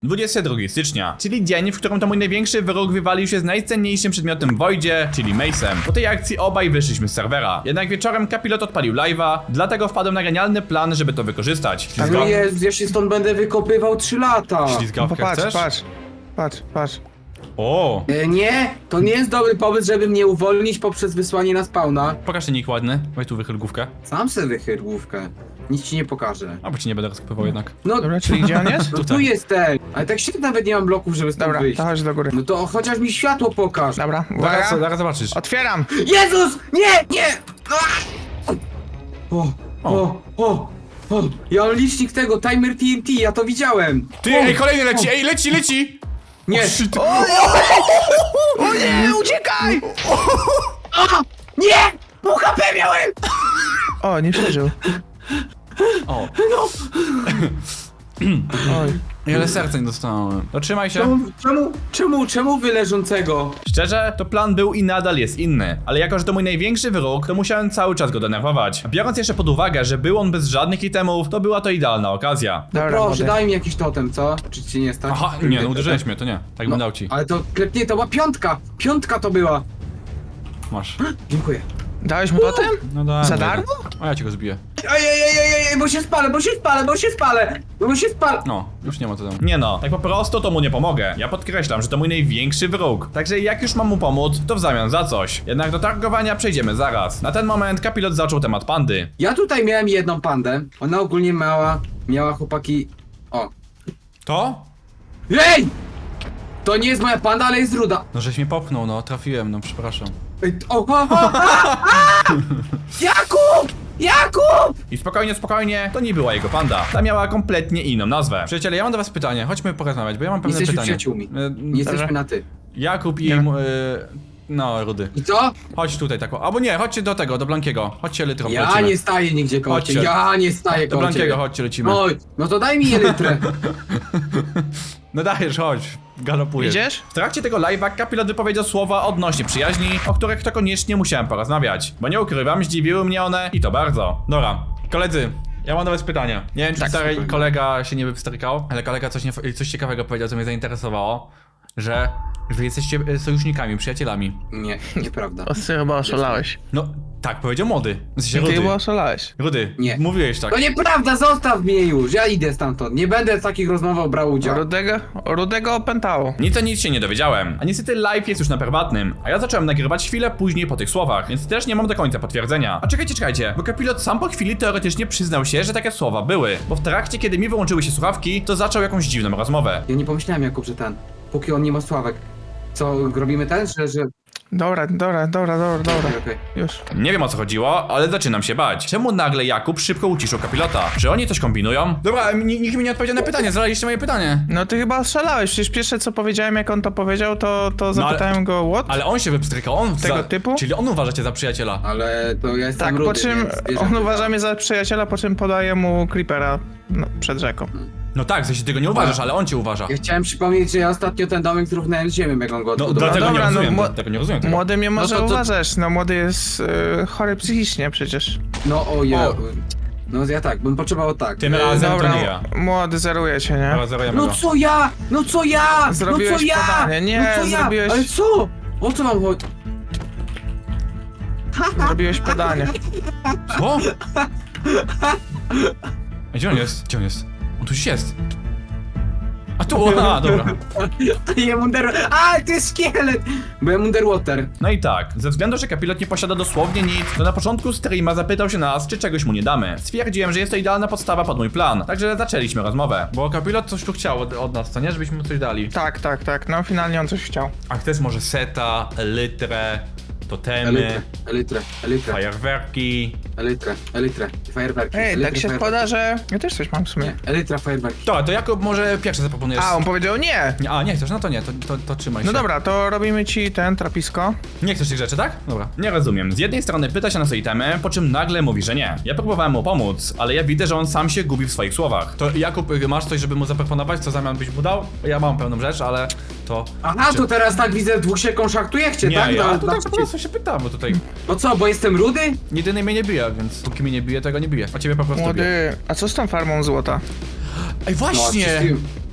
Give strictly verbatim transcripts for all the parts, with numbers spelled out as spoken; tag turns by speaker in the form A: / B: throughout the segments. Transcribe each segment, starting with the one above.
A: dwudziestego drugiego stycznia, czyli dzień, w którym to mój największy wróg wywalił się z najcenniejszym przedmiotem w Voidzie, czyli Mace'em. Po tej akcji obaj wyszliśmy z serwera. Jednak wieczorem Kapilot odpalił live'a, dlatego wpadłem na genialny plan, żeby to wykorzystać.
B: No
A: Ślizga...
B: jest, ja się stąd będę wykopywał trzy lata.
A: Ślizgawkę
C: Popatrz,
A: chcesz?
C: patrz, patrz, patrz.
A: O,
B: E, nie, to nie jest dobry pomysł, żeby mnie uwolnić poprzez wysłanie na spawna.
A: pokaż ten nick ładny. Weź tu wychyl główkę.
B: Sam se wychyl główkę. Nic ci nie pokażę.
A: A bo ci nie będę rozkopywał jednak.
B: No,
C: Dobra, czyli gdzie on jest?
B: no tu
A: tutaj.
B: jestem. Ale tak się nawet nie mam bloków, żeby stąd
C: Dobra,
B: wyjść.
C: to chodź do góry.
B: No to chociaż mi światło pokaż.
C: Dobra,
A: Zaraz,
C: uwaga.
A: zaraz zobaczysz.
C: Otwieram!
B: Jezus! Nie! Nie! Ah! O, o, o, o. Ja mam licznik tego, timer T N T, ja to widziałem.
A: Ty, ej, kolejny leci, ej, leci, leci!
B: Nie!
A: O, shit.
C: O nie, uciekaj!
B: A! Nie! Pół H P miałem!
C: O, nie przeżył.
A: O,
C: Oj.
A: ile serca nie dostałem. No trzymaj się.
B: Czemu, czemu, czemu, czemu wy leżącego?
A: Szczerze, to plan był i nadal jest inny, ale jako, że to mój największy wróg, to musiałem cały czas go denerwować. Biorąc jeszcze pod uwagę, że był on bez żadnych itemów, to była to idealna okazja.
C: Dobra,
B: Proszę,
C: młody.
B: daj mi jakiś totem, co? Czy ci nie stać?
A: Aha, nie, no uderzyłeś mnie, to nie. Tak bym dał ci.
B: Ale to klepnie, to była piątka! Piątka to była!
A: Masz.
B: Dziękuję.
C: Dałeś mu potem?
A: No daj.
C: Za darmo?
A: A ja ci go zbiję.
B: Ej, ej, ej, ej, ej, bo się spalę, bo się spalę, bo się spalę! Bo się spalę!
A: No, już nie ma co tam. Nie no, tak po prostu to mu nie pomogę. Ja podkreślam, że to mój największy wróg. Także jak już mam mu pomóc, to w zamian za coś. Jednak do targowania przejdziemy zaraz. Na ten moment Kapilot zaczął temat pandy.
B: Ja tutaj miałem jedną pandę. Ona ogólnie miała, miała chłopaki... O.
A: To?
B: Ej! To nie jest moja panda, ale jest ruda.
A: No żeś mnie popchnął, no trafiłem, no przepraszam.
B: Ej, o, o, o, a, a! Jakub! Jakub!
A: I spokojnie, spokojnie, to nie była jego panda. Ta miała kompletnie inną nazwę. Przyjaciele, ja mam do was pytanie, chodźmy porozmawiać, bo ja mam
B: Nie
A: pewne
B: jesteśmy
A: pytanie.
B: przyjaciółmi.
A: E,
B: Nie jesteśmy na ty.
A: Jakub i...
C: Nie.
A: mu- E, no, Rudy.
B: I co?
A: Chodź tutaj tak, o- albo nie, chodźcie do tego, do Blankiego. Chodźcie litrą,
B: Ja
A: lecimy.
B: nie staję nigdzie koło
A: Chodźcie.
B: ciebie. Ja nie staję
A: Do
B: koło
A: Blankiego,
B: ciebie.
A: chodźcie, lecimy.
B: Oj, no to daj mi elytrę.
A: No dajesz, chodź, galopujesz.
C: Idziesz?
A: W trakcie tego live'a Kapilot wypowiedział słowa odnośnie przyjaźni, o których to koniecznie musiałem porozmawiać. Bo nie ukrywam, zdziwiły mnie one i to bardzo. Dobra, koledzy, ja mam do was pytanie. Nie wiem, czy
B: Tak,
A: stary
B: spokojnie.
A: kolega się nie wypstrykał, ale kolega coś, nie, coś ciekawego powiedział, co mnie zainteresowało, że wy jesteście e, sojusznikami, przyjacielami.
B: Nie, nieprawda.
C: O, ty chyba oszalałeś.
A: No, tak, powiedział młody. W sensie
C: Ty
A: Rudy.
C: chyba oszalałeś.
A: Rudy,
B: Nie.
A: mówiłeś tak.
B: To nieprawda, zostaw mnie już. Ja idę stamtąd. Nie będę w takich rozmowach brał udziału.
C: Rudego, Rudego opętało.
A: Nic o nic się nie dowiedziałem, a niestety live jest już na prywatnym, a ja zacząłem nagrywać chwilę później po tych słowach, więc też nie mam do końca potwierdzenia. A czekajcie, czekajcie, bo Kapilot sam po chwili teoretycznie przyznał się, że takie słowa były, bo w trakcie, kiedy mi wyłączyły się słuchawki, to zaczął jakąś dziwną rozmowę.
B: Ja nie pomyślałem, Jakub, że ten. Póki on nie ma sławek. Co, robimy ten, że... że...
C: Dobra, dobra, dobra, dobra, dobra.
B: Okej, okej.
C: Już.
A: Nie wiem o co chodziło, ale zaczynam się bać. Czemu nagle Jakub szybko uciszył Kapilota? Czy oni coś kombinują? Dobra, n- nikt mi nie odpowiedział na pytanie, zadaliście moje pytanie.
C: No ty chyba oszalałeś, przecież pierwsze co powiedziałem, jak on to powiedział, to, to
A: No ale-
C: zapytałem go, what?
A: Ale on się wypstrykał, on
C: Tego
A: za...
C: typu?
A: Czyli on uważa cię za przyjaciela.
B: Ale to ja jestem
C: Tak,
B: rudy,
C: po czym
B: więc wiesz,
C: on
B: jak
C: uważa
B: to-
C: mnie za przyjaciela, po czym podaje mu creepera no, przed rzeką.
A: No tak, w sensie ty go nie uważasz, ale on cię uważa.
B: Ja chciałem przypomnieć, że ja ostatnio ten domek zrównałem z ziemią, jak on go
A: No
B: odbudował.
A: dlatego
C: dobra,
A: nie
C: no,
A: rozumiem,
C: mo-
A: tego nie rozumiem tego.
C: Młody mnie może
B: to- to-
C: uważać, no młody jest y, chory psychicznie przecież.
B: No o ja...
A: O.
B: No ja tak, bym potrzebował tak.
A: Tym
B: E,
A: razem
C: Dobra,
A: to nie ja.
C: młody zeruje cię, nie?
A: Dobra, zerujemy
B: No
A: go.
B: co ja? No co ja?
C: Zrobiłeś
B: no co ja?
C: podanie. Nie,
B: no co ja?
C: zrobiłeś-
B: Ale co? O co mam chodzi?
C: Zrobiłeś podanie.
A: Co? A gdzie on jest? Gdzie on jest? On tu gdzieś jest. A tu, a dobra.
B: Ja Munder... A, to jest szkielet! Bo ja Underwater.
A: No i tak, ze względu, że Kapilot nie posiada dosłownie nic, to na początku streama zapytał się nas, czy czegoś mu nie damy. Stwierdziłem, że jest to idealna podstawa pod mój plan, także zaczęliśmy rozmowę. Bo Kapilot coś tu chciał od, od nas, co nie? Żebyśmy mu coś dali.
C: Tak, tak, tak, no finalnie on coś chciał.
A: A chcesz może seta, elytrę, totemy,
B: Elytrę, elytrę, elytrę,
A: fajerwerki.
B: elytrę, elytrę, fajerwerki.
C: Ej,
B: elytrę,
C: tak się
B: fajerwerki.
C: składa, że... Ja też coś mam w sumie.
B: Nie, elytra, fajerwerki.
A: To, to Jakub może pierwszy zaproponujesz.
C: A, on powiedział nie!
A: Nie, A, nie chcesz, no to nie, to, to, to trzymaj się.
C: No dobra, to robimy ci ten trapisko.
A: Nie chcesz tych rzeczy, tak? Dobra. Nie rozumiem. Z jednej strony pyta się nas o itemy, po czym nagle mówi, że nie. Ja próbowałem mu pomóc, ale ja widzę, że on sam się gubi w swoich słowach. To Jakub, y, masz coś, żeby mu zaproponować, co w zamian byś mu dał? Ja mam pewną rzecz, ale to...
B: Aha, to teraz tak widzę, dwóch się kontraktujecie,
A: Nie,
B: tak?
A: ja
B: Na-
A: tutaj
B: na-
A: po prostu się pytam, bo tutaj
B: No co, bo jestem rudy?
A: jedyny mnie nie bije, więc póki mnie nie bije, to ja go nie bije. A ciebie po prostu bije.
C: Młody, a co z tą farmą złota?
A: Ej,
B: No,
A: właśnie!
B: czyściłem.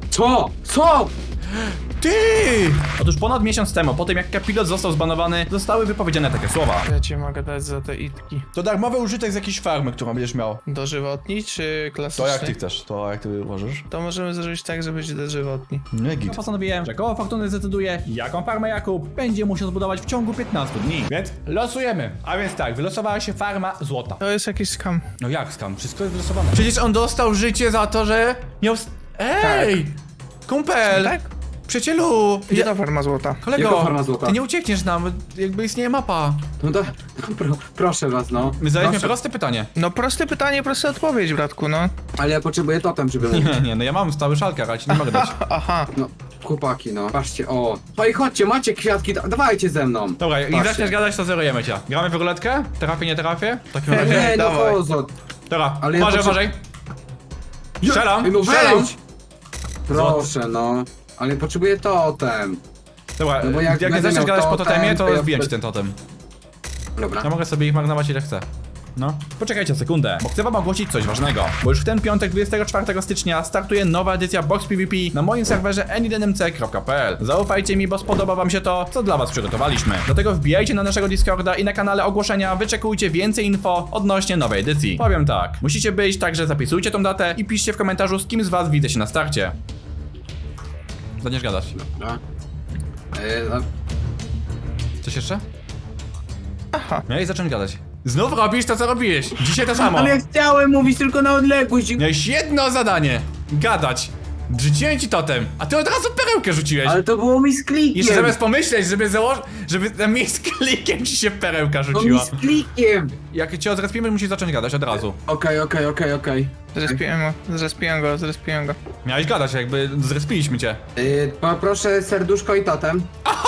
B: Co? Co?
A: Ty! Otóż ponad miesiąc temu, po tym jak Kapilot został zbanowany, zostały wypowiedziane takie słowa.
C: Ja ci mogę dać za te itki.
A: To darmowy użytek z jakiejś farmy, którą będziesz miał.
C: Dożywotni czy klasyczny?
A: To jak ty chcesz, to jak ty uważasz?
C: To możemy zrobić tak, że będzie dożywotni.
A: Nie git. Postanowiłem, że koło fortuny zdecyduje, jaką farmę Jakub będzie musiał zbudować w ciągu piętnastu dni. Więc losujemy. A więc tak, wylosowała się farma złota.
C: To jest jakiś skam.
A: No jak skam? Wszystko jest wylosowane. Przecież on dostał życie za to, że miał... s- Ej! Kumpel!
C: Tak?
A: Przyjacielu!
C: Gdzie
A: Ja...
C: ta farma złota?
A: Kolego,
B: Jaka farma złota?
A: ty nie uciekniesz nam, jakby istnieje mapa.
B: No to, pro, proszę was, no.
A: My zadaliśmy
B: Proszę.
A: proste pytanie.
C: No proste pytanie, prosta odpowiedź, bratku, no.
B: Ale ja potrzebuję totem, żeby mówić.
A: Nie, nie, no ja mam stały szalkar, ale ci nie mogę dać.
C: Aha.
B: No, chłopaki, no. Patrzcie, o. Oj, chodźcie, macie kwiatki, da- dawajcie ze mną.
A: Dobra, jak
B: Patrzcie.
A: zaczniesz gadać, to zerujemy cię. Gramy w ruletkę? Trafię, nie trafię? W takim
B: Nie,
A: razie...
B: nie, no
C: dawaj.
B: pozo.
A: Dobra,
B: Ale ja
A: uważaj,
B: potrze-
A: uważaj. Strzelam,
B: Ej, no
A: strzelam.
B: wejdź. Proszę, no. Ale potrzebuję totem.
A: Dobra,
B: No bo
A: jak,
B: jak
A: jak nie
B: będę
A: zaczniesz
B: miał
A: gadać po
B: totem,
A: totemie,
B: to
A: to
B: ja
A: zbiję ci
B: wtedy-
A: ten totem.
B: Dobra.
A: Ja mogę sobie ich marnować ile chcę. No. Poczekajcie sekundę, bo chcę wam ogłosić coś ważnego. Bo już w ten piątek, dwudziestego czwartego stycznia, startuje nowa edycja Box PvP na moim serwerze any d n m c kropka p l. Zaufajcie mi, bo spodoba wam się to, co dla was przygotowaliśmy. Dlatego wbijajcie na naszego Discorda i na kanale ogłoszenia wyczekujcie więcej info odnośnie nowej edycji. Powiem tak, musicie być, także zapisujcie tą datę i piszcie w komentarzu, z kim z was widzę się na starcie. Zaczniesz gadać.
B: Dobra. E, no,
A: Coś jeszcze?
C: Aha.
A: No i zacząć gadać. Znów robisz to, co robiłeś. Dzisiaj to samo.
B: ale ja chciałem mówić tylko na odległość.
A: Miałeś jedno zadanie. Gadać. Rzuciłem ci totem, a ty od razu perełkę rzuciłeś.
B: Ale to było mi z klikiem.
A: Jeszcze zamiast pomyśleć, żeby założyć, żeby na miejsce klikiem ci się perełka
B: To mi
A: rzuciła.
B: z klikiem.
A: Jak cię odrespimy, musisz zacząć gadać od razu.
B: Okej, okej, okej, okej.
C: Zrespiłem go, zrespiłem go, zrespiłem go.
A: Miałeś gadać, jakby zrespiliśmy cię.
B: Yy, poproszę serduszko i totem.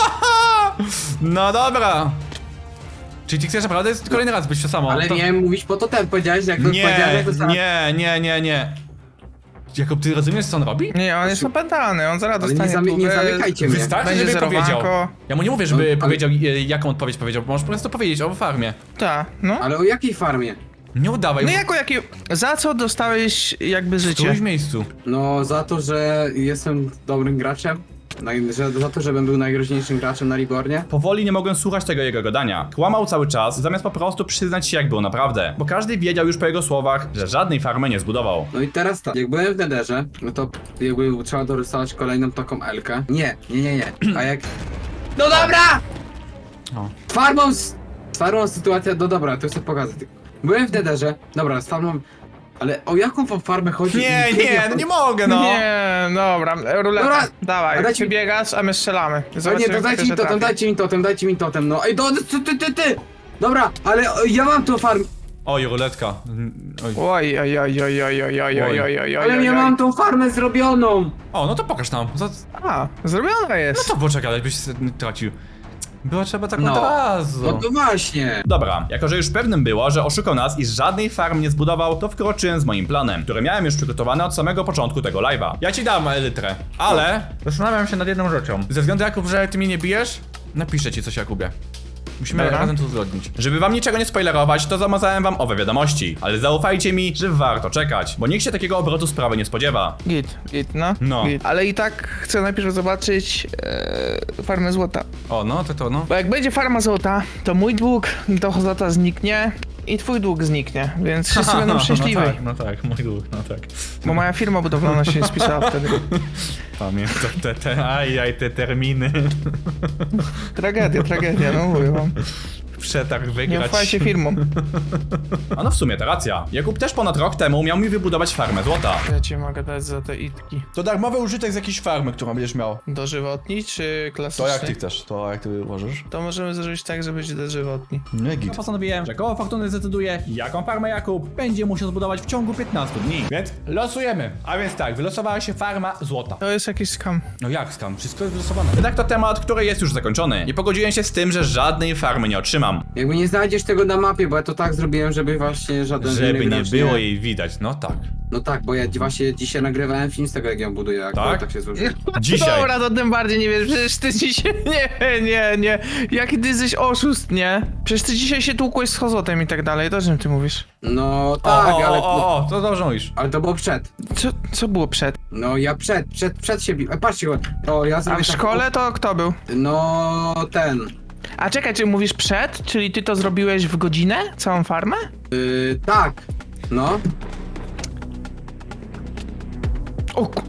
A: No dobra. Czyli ty chcesz naprawdę kolejny raz być to samo?
B: Ale
A: to...
B: miałem mówić po totem, powiedziałeś, jak to powiedziałeś,
A: Nie,
B: jak to samo.
A: nie, nie, nie, nie. Jakub, ty rozumiesz, co on robi?
C: Nie, on jest opętany, on zaraz
B: Ale nie,
C: dostanie
B: zamy, nie
C: tubę.
B: zamykajcie mnie.
A: Wystarczy,
C: Będzie
A: żeby
C: zerowanko.
A: powiedział. Ja mu nie mówię, żeby
B: No, ale-
A: powiedział, e, jaką odpowiedź powiedział, bo możesz po prostu powiedzieć o farmie.
C: Tak, no.
B: Ale o jakiej farmie?
A: Nie udawaj,
C: No
A: bo
C: jako jaki... Za co dostałeś jakby
A: w
C: życie?
A: którymś miejscu.
B: No za to, że jestem dobrym graczem. Naj, że, za to, żebym był najgroźniejszym graczem na Rebornie.
A: Powoli nie mogłem słuchać tego jego gadania. Kłamał cały czas, zamiast po prostu przyznać się jak było naprawdę. Bo każdy wiedział już po jego słowach, że żadnej farmy nie zbudował.
B: No i teraz tak, jak byłem w Netherze, no to jakby trzeba dorysować kolejną taką Elkę. Nie, nie, nie, nie. A jak... No dobra!
A: O.
B: Farmą... s- Z farmą sytuacja... No dobra, to chcę pokazać. Byłem w Netherze, dobra, z farmą... Ale o jaką wam farmę chodzi?
A: Nie,
B: Kiedy
A: nie,
B: ja-
A: no nie mogę, no.
C: Nie, dobra, ruleta.
B: Dobra,
C: Dawaj,
B: a dajcie
C: ty
B: mi-
C: biegasz, a my strzelamy.
B: A nie,
C: Zobaczymy,
B: to
C: kto
B: dajcie mi
C: się
B: totem,
C: trafi.
B: dajcie mi totem, dajcie mi totem, no. Ej, do, ty, ty, ty, ty! Dobra, ale o, ja mam tą farmę...
A: Oj, ruletka. Oj.
C: Oj, oj, oj, oj, oj, oj, oj, oj, oj, oj,
B: Ale
C: oj,
B: ja
C: oj.
B: mam tą farmę zrobioną!
A: O, no to pokaż nam. Za...
C: A, zrobiona
A: No
C: jest.
A: to poczekaj, byś się tracił. Było trzeba tak
B: No.
A: od razu.
B: No to właśnie!
A: Dobra, jako że już pewnym było, że oszukał nas i żadnej farm nie zbudował, to wkroczyłem z moim planem, który miałem już przygotowany od samego początku tego live'a. Ja ci dam elytrę, ale zastanawiam się nad jedną rzeczą. Ze względu, Jakub, że ty mnie nie bijesz, napiszę ci coś, Jakubie. Musimy
C: Dobra.
A: razem to uzgodnić. Żeby wam niczego nie spoilerować, to zamazałem wam owe wiadomości. Ale zaufajcie mi, że warto czekać, bo nikt się takiego obrotu sprawy nie spodziewa.
C: Git, git, no.
A: No.
C: Git. Ale i tak chcę najpierw zobaczyć e, farmę złota.
A: O, no to to, no.
C: Bo jak będzie farma złota, to mój dług do złota zniknie i twój dług zniknie, więc wszyscy będą szczęśliwi.
A: No tak, no tak, mój dług, no tak.
C: Bo moja firma budowlana się nie spisała wtedy.
A: Pamiętam te, te, ajaj, te terminy.
C: Tragedia, tragedia, no mówię wam.
A: Przetarg
C: Nie
A: wygrać.
C: ufajcie firmom.
A: A no w sumie to racja. Jakub też ponad rok temu miał mi wybudować farmę złota.
C: Ja ci mogę dać za te itki.
A: To darmowy użytek z jakiejś farmy, którą będziesz miał.
C: Dożywotni czy klasyczny?
A: To jak ty chcesz, to jak ty uważasz?
C: To możemy zrobić tak, że będzie dożywotni.
A: Nie git. Postanowiłem, że koło fortuny zdecyduje, jaką farmę Jakub będzie musiał zbudować w ciągu piętnastu dni. Więc losujemy. A więc tak, wylosowała się farma złota.
C: To jest jakiś skam.
A: No jak skam? Wszystko jest wylosowane. Jednak to temat, który jest już zakończony. Nie pogodziłem się z tym, że żadnej farmy nie otrzymam.
B: Jakby nie znajdziesz tego na mapie, bo ja to tak zrobiłem, żeby właśnie żaden
A: Żeby
B: inny
A: nie
B: gracz
A: było jej widać, no tak.
B: No tak, bo ja właśnie dzisiaj nagrywałem film z tego, jak ją buduję, jak
A: Tak?
B: tak, tak się złożyło.
A: Dzisiaj.
C: Dobra, to tym bardziej nie wiesz, przecież ty dzisiaj... Nie, nie, nie. Jaki ty jesteś oszust, nie? Przecież ty dzisiaj się tłukłeś z Hozotem i tak dalej, to o czym ty mówisz?
B: No
A: O,
B: tak,
A: o,
B: ale...
A: o, o, o, to dobrze mówisz.
B: Ale to było przed.
C: Co, co było przed?
B: No ja przed, przed, przed się biłem. Patrzcie, o ja
C: A
B: zrobię
C: w
B: tak-
C: szkole to kto był?
B: No ten.
C: A czekaj, czy mówisz przed? Czyli ty to zrobiłeś w godzinę? Całą farmę?
B: Yy, tak. No.
C: O, ku-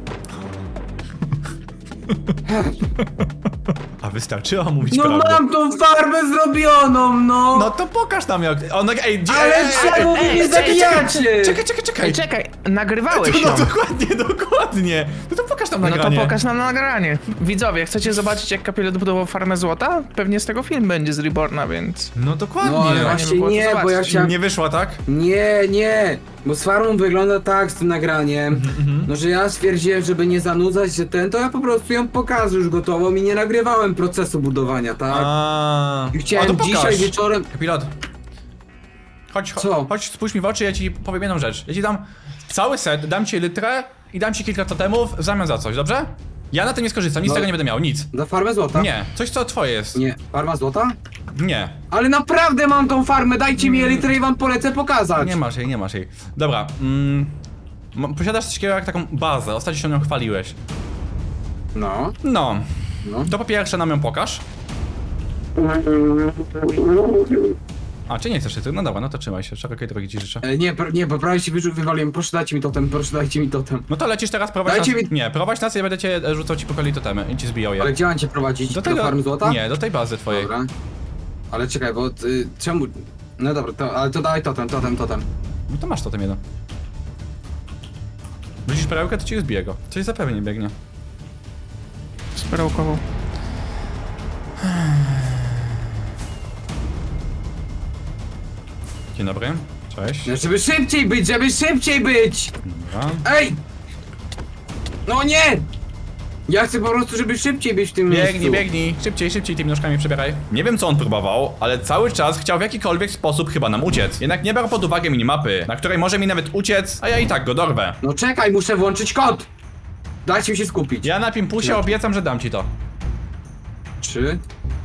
A: A wystarczyło mówić
B: No
A: prawdę.
B: mam tą farbę zrobioną, no!
A: No to pokaż nam jak... O, no, ej, gdzie...
B: Ale
A: ej, ej,
B: czemu wy
C: ej,
B: mnie
C: ej,
B: zabijacie?
A: Czekaj, czekaj, czekaj.
C: Ej, czekaj, nagrywałeś
A: No
C: ją.
A: dokładnie, dokładnie. No to pokaż tam
C: No
A: nagranie.
C: to pokaż nam nagranie. Widzowie, chcecie zobaczyć jak Kapilot budował farmę złota? Pewnie z tego film będzie z Reborna, więc...
A: No dokładnie.
B: No ale
C: Fajnie by
B: właśnie
C: było to
B: nie, bo ja
C: zobaczyć.
B: chciałem...
A: Nie wyszła, tak?
B: Nie, nie, bo z farmą wygląda tak z tym nagraniem,
A: Mhm,
B: no że ja stwierdziłem, żeby nie zanudzać się ten, to ja po prostu ją pokażę już gotową i nie nagrywałem procesu budowania, tak?
A: A.
B: I chciałem
A: O, to pokaż.
B: dzisiaj wieczorem...
A: Pilot. Chodź, chodź,
B: Co?
A: chodź, spójrz mi w oczy, ja ci powiem jedną rzecz. Ja ci dam cały set, dam ci litrę i dam ci kilka totemów w zamian za coś, dobrze? Ja na tym nie skorzystam, nic z
B: No.
A: tego nie będę miał, nic.
B: Za farmę złota?
A: Nie, coś co twoje jest.
B: Nie, farma złota?
A: Nie.
B: Ale naprawdę mam tą farmę, dajcie mi elitrę i wam polecę pokazać.
A: Nie masz jej, nie masz jej. Dobra, mm, m- posiadasz coś takiego jak taką bazę, ostatnio się nią chwaliłeś.
B: No,
A: No,
B: no.
A: to po pierwsze nam ją pokaż. A, czy nie chcesz ty? No dobra, no to trzymaj się, szerokiej drogi ci życzę.
B: E, nie, pr- nie, bo prawie się wyrzu- wywaliłem, proszę dajcie mi totem, proszę dajcie mi totem.
A: No to lecisz teraz, prowadź
B: Dajcie
A: nas...
B: mi-
A: Nie, prowadź nas i ja będę cię e, rzucał ci po kolei totemy i ci zbijał je.
B: Ale gdzie mam cię prowadzić? Do, farmy złota?
A: Nie, do tej bazy twojej.
B: Dobra. Ale czekaj, bo y, czemu... No dobra, to, ale to daj totem, totem, totem.
A: No to masz totem jeden. Widzisz perełkę, to ci zbije go. Coś zapewne nie biegnie.
C: Z perełkową.
A: Dzień dobry, cześć.
B: No, żeby szybciej być, żeby szybciej być!
A: Dobra.
B: Ej! No nie! Ja chcę po prostu, żeby szybciej być w tym
A: Biegnij,
B: miejscu.
A: biegnij, szybciej, szybciej tymi nóżkami przebieraj. Nie wiem co on próbował, ale cały czas chciał w jakikolwiek sposób chyba nam uciec. Jednak nie brał pod uwagę minimapy, na której może mi nawet uciec, a ja i tak go dorwę.
B: No czekaj, muszę włączyć kod! Dajcie mi się skupić.
A: Ja na Pimpusie obiecam, że dam ci to.
B: Trzy.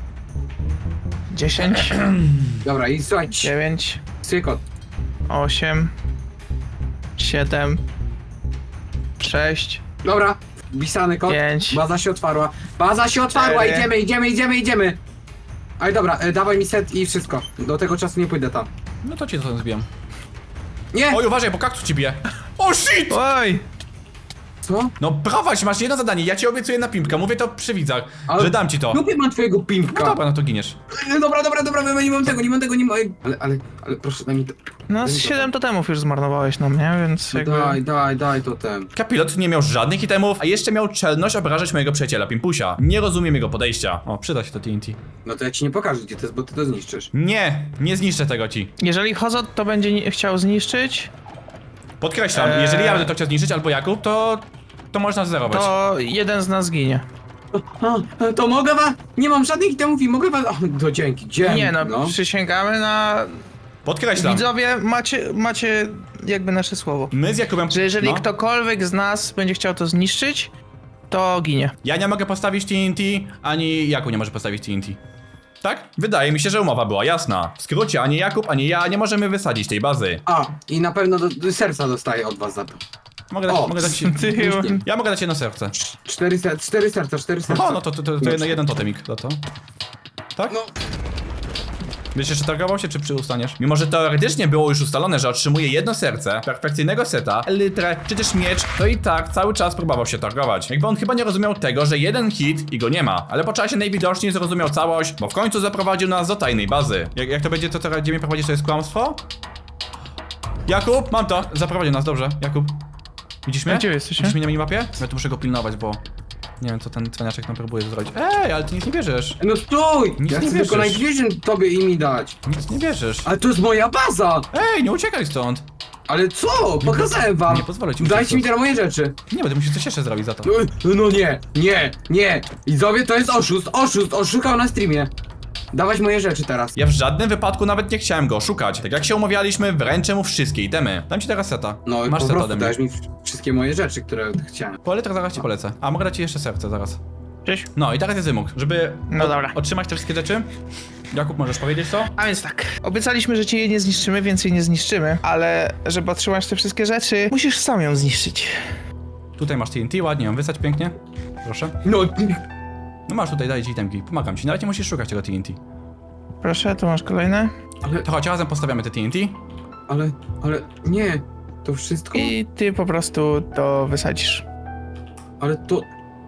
C: dziesięć,
B: Dobra, i słuchajcie.
C: dziewięć,
B: Słuchaj kod.
C: osiem, siedem, sześć,
B: Dobra, wpisany kod.
C: Pięć.
B: Baza się otwarła. Baza się otwarła,
C: Cztery.
B: idziemy, idziemy, idziemy, idziemy. Ale dobra, e, dawaj mi set i wszystko. Do tego czasu nie pójdę tam.
A: No to ci to zbijam.
B: Nie!
A: Oj, uważaj, bo kaktus ci bije. O shit!
C: Oj!
B: Co?
A: No prowadź, masz jedno zadanie, ja ci obiecuję na Pimpka, mówię to przy widzach,
B: Ale-
A: że dam ci to.
B: Lubię mam twojego pimpka.
A: No dobra, no to giniesz.
B: E, Dobra, dobra, dobra, dobra, nie mam tego, nie mam tego, nie mam... Ale, ale, ale proszę, daj mi to.
C: No z siedem totemów już zmarnowałeś na mnie, więc
B: No
C: jakby...
B: daj, daj, daj to ten.
A: Kapilot nie miał żadnych itemów, a jeszcze miał czelność obrażać mojego przyjaciela Pimpusia. Nie rozumiem jego podejścia. O, przyda się to T N T.
B: No to ja ci nie pokażę gdzie to jest, bo ty to zniszczysz.
A: Nie, nie zniszczę tego ci.
C: Jeżeli Hozot to będzie ni- chciał zniszczyć,
A: Podkreślam,
C: Eee.
A: jeżeli ja będę to chciał zniszczyć albo Jakub, to... to można zerować.
C: to jeden z nas ginie.
B: A, to mogę was... Nie mam żadnych itemów i mogę was... O, to dzięki, dzięki.
C: Nie no, przysięgamy na...
A: Podkreślam.
C: Widzowie, macie, macie jakby nasze słowo.
A: My z Jakubem...
C: Że jeżeli
A: no.
C: ktokolwiek z nas będzie chciał to zniszczyć, to ginie.
A: Ja nie mogę postawić T N T, ani Jakub nie może postawić T N T. Tak? Wydaje mi się, że umowa była jasna. W skrócie, ani Jakub, ani ja nie możemy wysadzić tej bazy.
B: A, i na pewno do, do serca dostaję od was za to.
A: Mogę dać,
B: O,
A: mogę dać ci...
C: Ty,
A: Ja mogę dać jedno serce.
B: Cztery, ser cztery serca, cztery serca.
A: O, no to, to, to, to jeden, jeden totemik za to. Tak?
B: No,
A: Będziesz jeszcze targował się, czy przyustaniesz? Mimo, że teoretycznie było już ustalone, że otrzymuje jedno serce, perfekcyjnego seta, litrę, czy też miecz, to i tak cały czas próbował się targować. Jakby on chyba nie rozumiał tego, że jeden hit i go nie ma. Ale po czasie najwidoczniej zrozumiał całość, bo w końcu zaprowadził nas do tajnej bazy. Jak, jak to będzie, to co gdzie mnie prowadzisz, to jest kłamstwo? Jakub, mam to! Zaprowadził nas, dobrze. Jakub. Widzisz mnie?
C: A gdzie jesteście?
A: Widzisz mnie na minimapie? Ja tu muszę go pilnować, bo... Nie wiem, co ten cwaniaczek nam próbuje zrobić. Ej, ale ty nic nie bierzesz.
B: no stój!
A: Nic
B: Ja
A: nie
B: chcę tylko
A: wierzysz.
B: Night Vision tobie i mi dać.
A: Nic nie bierzesz.
B: Ale to jest moja baza!
A: Ej, nie uciekaj stąd!
B: Ale co? Pokazałem wam!
A: nie pozwolę ci
B: Dajcie
A: uciec.
B: mi teraz moje rzeczy.
A: Nie, będę musiał coś jeszcze zrobić za to.
B: No, no nie, nie, nie! Widzowie, to jest oszust, oszust, oszukał na streamie. Dawać moje rzeczy teraz.
A: Ja w żadnym wypadku nawet nie chciałem go szukać. Tak jak się umawialiśmy, wręczę mu wszystkie itemy. Dam ci teraz seta.
B: No i
A: Masz
B: po
A: seta
B: prostu
A: ode mnie.
B: dajesz mi wszystkie moje rzeczy, które chciałem.
A: Po litrach zaraz ci polecę. A mogę dać ci jeszcze serce zaraz.
C: Cześć.
A: No i teraz jest wymóg, żeby
C: No
A: o-
C: dobra.
A: otrzymać te wszystkie rzeczy. Jakub, możesz powiedzieć co?
C: A więc tak, obiecaliśmy, że cię nie zniszczymy, więcej nie zniszczymy, ale żeby otrzymać te wszystkie rzeczy, musisz sam ją zniszczyć.
A: Tutaj masz T N T, ładnie ją wysać pięknie. Proszę.
B: No,
A: No masz tutaj, daję ci itemki. Pomagam ci, nawet nie musisz szukać tego T N T.
C: Proszę, tu masz kolejne.
B: ale,
A: To chodź, razem postawiamy te T N T.
B: ale, ale, nie. To wszystko?
C: I ty po prostu to wysadzisz.
B: Ale to...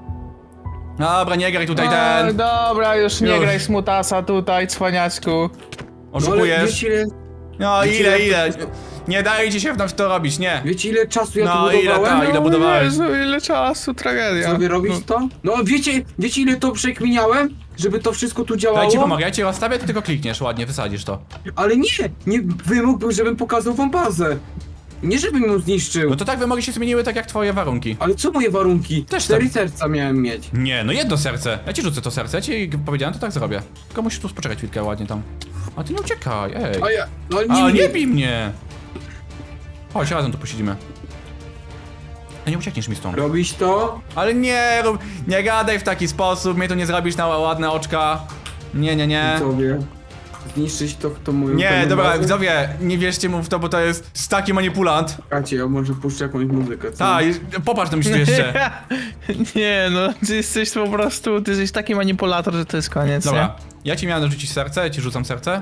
A: Dobra, nie graj tutaj
C: A,
A: ten.
C: dobra, już nie
A: Już.
C: graj smutasa tutaj, cwaniaczku.
B: No, ale
A: Oszukujesz.
B: wiecie ile,
A: No
B: wiecie,
A: ile,
B: ile-
A: ile? Nie daje ci się w nas to robić, nie.
B: wiecie ile czasu ja
A: No,
B: tu
A: ile
B: budowałem?
A: ta- ile
C: O
A: budowałeś?
C: Jezu, ile czasu, tragedia.
B: Sobie robić
C: No,
B: to? No wiecie, wiecie ile to przekminiałem? Żeby to wszystko tu działało?
A: Daj ci pomogę, ja ci rozstawię, ty tylko klikniesz ładnie, wysadzisz to.
B: Ale nie! Nie, wymóg był, żebym pokazał wam bazę. Nie żebym ją zniszczył.
A: No to tak wymogi się zmieniły tak jak twoje warunki.
B: Ale co moje warunki?
A: Też
B: Cztery
A: tak.
B: serca miałem mieć.
A: Nie, no jedno serce. Ja ci rzucę to serce, ja ci powiedziałem, to tak zrobię. Tylko musisz tu poczekać chwilkę ładnie tam. A ty nie uciekaj, ej.
B: A ja... No
A: A,
B: nie,
A: nie bij mnie! Chodź, razem tu posiedzimy. A nie uciekniesz mi stąd.
B: Robisz to?
A: Ale nie rób, nie gadaj w taki sposób, mnie tu nie zrobisz na ładne oczka. Nie, nie, nie.
B: Sobie. Zniszczyć to, to moją
A: Nie,
B: pełną
A: dobra,
B: bazę?
A: widzowie, nie wierzcie mu w to, bo to jest taki manipulant.
B: Czekajcie, ja może puszczę jakąś muzykę, co?
A: Tak, popatrz tam się tu jeszcze.
C: Nie no, ty jesteś po prostu, ty jesteś taki manipulator, że to jest koniec,
A: Dobra, ja ci miałem dorzucić serce, ja ci rzucam serce.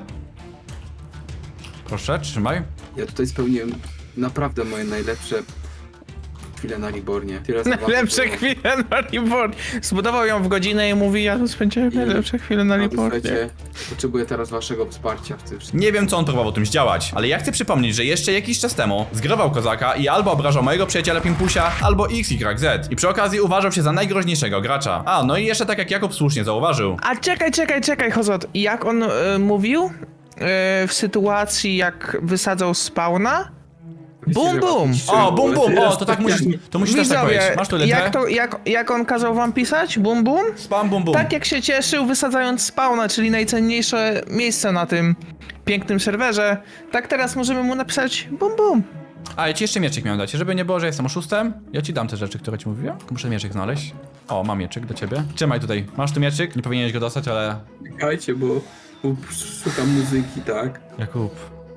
A: Proszę, trzymaj.
B: Ja tutaj spełniłem naprawdę moje najlepsze chwile na Libornie. Tyle
C: nie?
B: zabawy
C: Najlepsze
B: było.
C: chwile na Libornie. Zbudował ją w godzinę i mówi, ja tu spędziłem
B: I-
C: najlepsze chwile na
B: Ale
C: Libornie.
B: słuchajcie, potrzebuję teraz waszego wsparcia w tym wszystkim.
A: Nie wiem, co on próbował tym zdziałać, ale ja chcę przypomnieć, że jeszcze jakiś czas temu zgrywał kozaka i albo obrażał mojego przyjaciela Pimpusia, albo X Y Z. I przy okazji uważał się za najgroźniejszego gracza. A, no i jeszcze tak jak Jakub słusznie zauważył.
C: A czekaj, czekaj, czekaj, Hozot. Jak on e, mówił e, w sytuacji, jak wysadzał spawna?
B: Wiecie,
C: Bum,
B: że was
C: bum.
B: niszczyłem,
A: O, bum
B: ale
A: bum,
B: teraz
A: o, to tak musisz,
B: jak-
A: to musisz też tak
C: Widzowie,
A: powiedzieć. Masz tu
C: jak,
A: letrę?
C: to, jak, jak on kazał wam pisać? Bum bum?
A: Spam bum bum.
C: Tak jak się cieszył wysadzając spawna, czyli najcenniejsze miejsce na tym pięknym serwerze, tak teraz możemy mu napisać bum bum.
A: A, ja ci jeszcze mieczyk miałem dać, żeby nie było, że jestem oszustem. Ja ci dam te rzeczy, które ci mówiłem. Muszę mieczyk znaleźć. O, mam mieczyk do ciebie. Trzymaj tutaj. Masz tu mieczyk? Nie powinieneś go dostać, ale...
B: Czekajcie, bo, bo szukam muzyki, tak?
A: Jakub.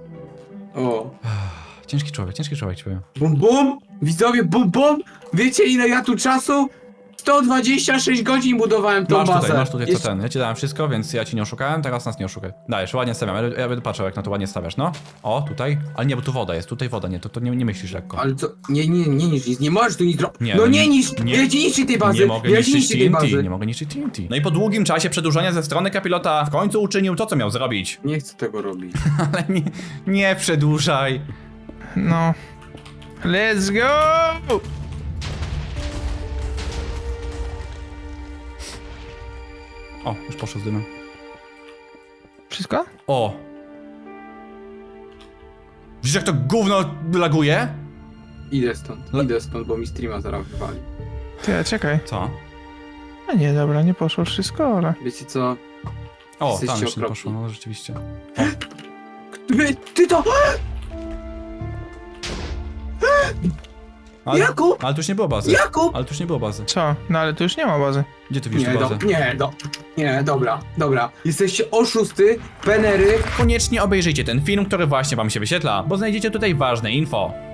B: O.
A: Ciężki człowiek, ciężki człowiek ci powiem.
B: Bum bum! Widzowie, bum bum! Wiecie ile ja tu czasu? sto dwadzieścia sześć godzin budowałem tą
A: Masz
B: bazę.
A: tutaj, masz tutaj co
B: Jeszcze-
A: ten. Ja ci dałem wszystko, więc ja ci nie oszukałem, teraz nas nie oszukaj. Dajesz, ładnie stawiam. Ja, ja będę patrzył, jak na to ładnie stawiasz, no. O, tutaj. Ale nie, bo tu woda jest, tutaj woda, nie, to, to nie, nie myślisz lekko.
B: Ale co? Nie, nie, nie niż nic, nie możesz tu nic zrobić.
A: Nie,
B: No
A: no
B: nie
A: nie-
B: niż,
A: nie-
B: nie, nie niszczy tej bazy.
A: Nie mogę
B: ja
A: niszczyć
B: niszczy tej
A: T N T,
B: bazy.
A: nie mogę niszczyć T N T. No i po długim czasie przedłużenia ze strony kapilota w końcu uczynił to, co miał zrobić.
B: Nie chcę tego robić.
A: Ale nie, nie przedłużaj.
C: No. Let's go!
A: O, już poszło z dymem.
C: Wszystko?
A: O! Widzisz, jak to gówno laguje?
B: Idę stąd,
A: Le-
B: idę stąd, bo mi streama zaraz wywali.
C: Ty, czekaj.
A: Co?
C: A nie, dobra, nie poszło wszystko, ale...
B: Wiecie co?
A: O,
B: Jesteście
A: tam jeszcze nie
B: okropni.
A: poszło, no rzeczywiście.
B: Ty, ty to...
A: Ale,
B: Jakub!
A: ale tu już nie było bazy.
B: Jakub!
A: Ale tu już nie było bazy.
C: Co? No ale tu już nie ma bazy.
A: Gdzie ty widzisz
B: Nie,
A: tu
B: do,
A: bazę?
B: nie, do, nie, dobra, dobra. Jesteście oszusty, penery.
A: Koniecznie obejrzyjcie ten film, który właśnie wam się wyświetla, bo znajdziecie tutaj ważne info.